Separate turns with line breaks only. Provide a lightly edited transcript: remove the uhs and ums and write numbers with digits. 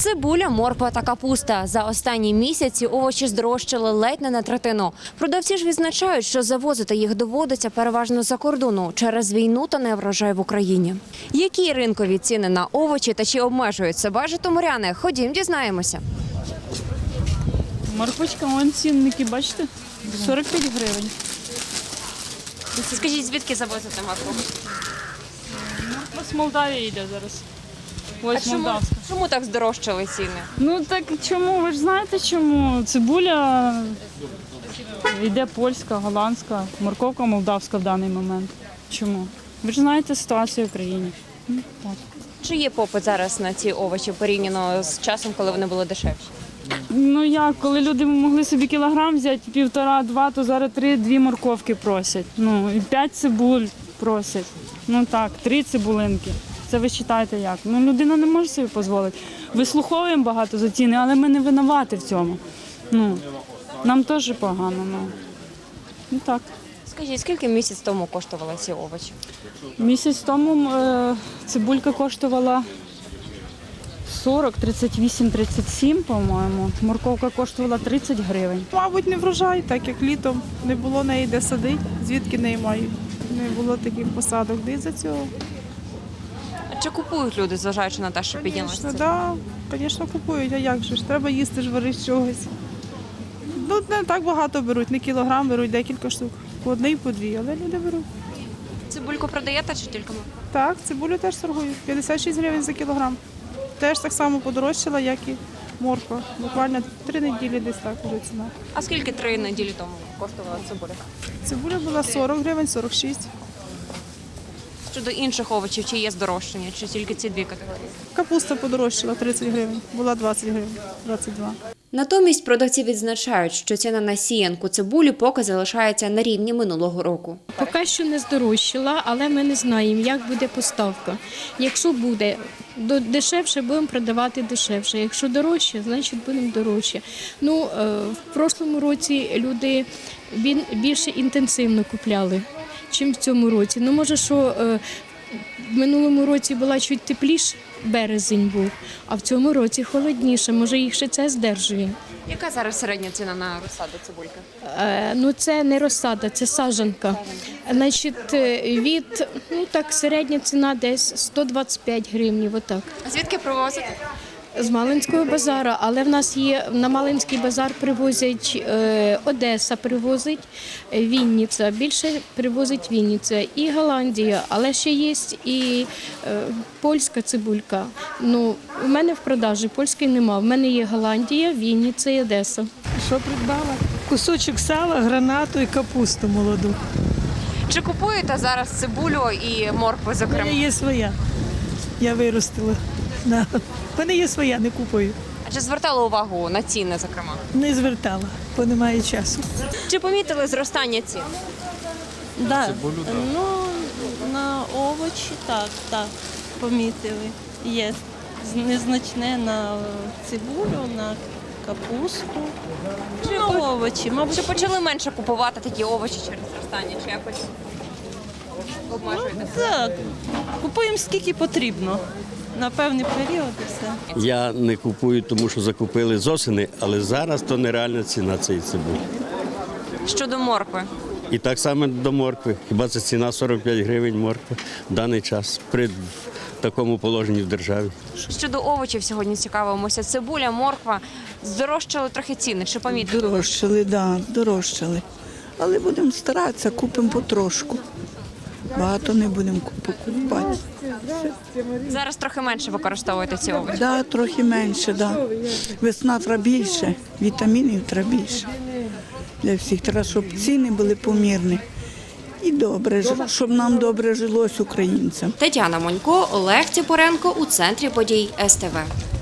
Цибуля, морква та капуста. За останні місяці овочі здорожчали ледь не на третину. Продавці ж відзначають, що завозити їх доводиться переважно за кордону через війну та неврожай в Україні. Які ринкові ціни на овочі та чи обмежують себе житомиряни? Ходім, дізнаємося.
Морквочка, вон цінники, бачите? 45 гривень.
Скажіть, звідки завозите моркву?
Морква з Молдавії йде зараз. Ось молдавська.
Чому так здорожчали ціни?
Ну так чому? Ви ж знаєте чому? Цибуля йде польська, голландська, морковка молдавська в даний момент. Чому? Ви ж знаєте ситуацію в Україні. Так.
Чи є попит зараз на ці овочі порівняно з часом, коли вони були дешевші?
Ну як, коли люди могли собі кілограм взяти, 1,5-2, то зараз 3-2 морковки просять. Ну і 5 цибуль просять. Ну так, 3 цибулинки. Це ви вважаєте як? Ну людина не може собі дозволити. Вислуховуємо багато за ціни, але ми не винуваті в цьому. Ну, нам теж погано. Ну так.
Скажіть, скільки місяць тому коштували ці овочі?
Місяць тому цибулька коштувала 40, 38, 37, по-моєму. Морковка коштувала 30 гривень.
Мабуть, не врожай, так як літом не було неї де садити, звідки неї мають. Не було таких посадок, де за цього.
А чи купують люди, зважаючи на те, що піднялася
Звісно,
ціна?
так, звісно, купують, а як же ж? Треба їсти ж варити з чогось. Ну, не так багато беруть, не кілограм, беруть декілька штук. По одній, по дві, але люди беруть.
Цибульку продаєте чи тільки моркву?
Так, цибулю теж торгують. 56 гривень за кілограм. Теж так само подорожчала, як і морква. Буквально 3 неділі десь так вже ціна.
А скільки 3 неділі тому коштувала цибуля?
Цибуля була 40 гривень, 46.
Щодо інших овочів, чи є здорожчання, чи тільки ці дві категорії?
Капуста подорожчала 30 гривень, була 20 гривень, 22.
Натомість продавці відзначають, що ціна на сіянку цибулі поки залишається на рівні минулого року.
Поки що не здорожчала, але ми не знаємо, як буде поставка. Якщо буде дешевше, будемо продавати дешевше. Якщо дорожче, значить будемо дорожче. Ну, в прошлому році люди більше інтенсивно купляли, ніж в цьому році. Ну, може, що в минулому році була чуть тепліше, березень був, а в цьому році холодніше. Може, їх ще це здержує.
Яка зараз середня ціна на розсаду цибульки?
Ну, це не розсада, це саджанка. Значить, середня ціна десь 125 гривень, отак.
А звідки привозите?
З Малинського базару, але в нас є, на Малинський базар привозять, Одеса привозить, Вінниця, більше привозить Вінниця і Голландія, але ще є і польська цибулька. Ну, у мене в продажі польської нема, в мене є Голландія, Вінниця і Одеса.
Що придбала? Кусочок сала, гранату і капусту молоду.
Чи купуєте зараз цибулю і моркву,
У
зокрема?
мене є своя. Я виростила. Да. У мене є своя, не купую.
А чи звертали увагу на ціни, зокрема?
Не звертала, бо немає часу.
Чи помітили зростання цін?
Да. Ну, на овочі так, помітили. Є незначне на цибулю, на капусту. На овочі, мабуть.
Чи почали менше купувати такі овочі через зростання? Чи якось обмежуєте?
Так, купуємо скільки потрібно. На певний період і все.
Я не купую, тому що закупили з осени, але зараз то нереальна ціна цієї цибулі.
Щодо моркви?
І так само до моркви. Хіба це ціна 45 гривень моркви в даний час при такому положенні в державі.
Щодо овочів сьогодні цікавимося. Цибуля, морква. Здорожчали трохи ціни. Чи помітили?
Дорожчали, так, дорожчали. Але будемо старатися, купимо потрошку. Багато не будемо купувати.
Зараз трохи менше використовуєте ці овочі.
Так, трохи менше, так. Весна треба більше, вітамінів треба більше. Для всіх треба, щоб ціни були помірні. І добре, щоб нам добре жилось українцям.
Тетяна Монько, Олег Ціпоренко у центрі подій СТВ.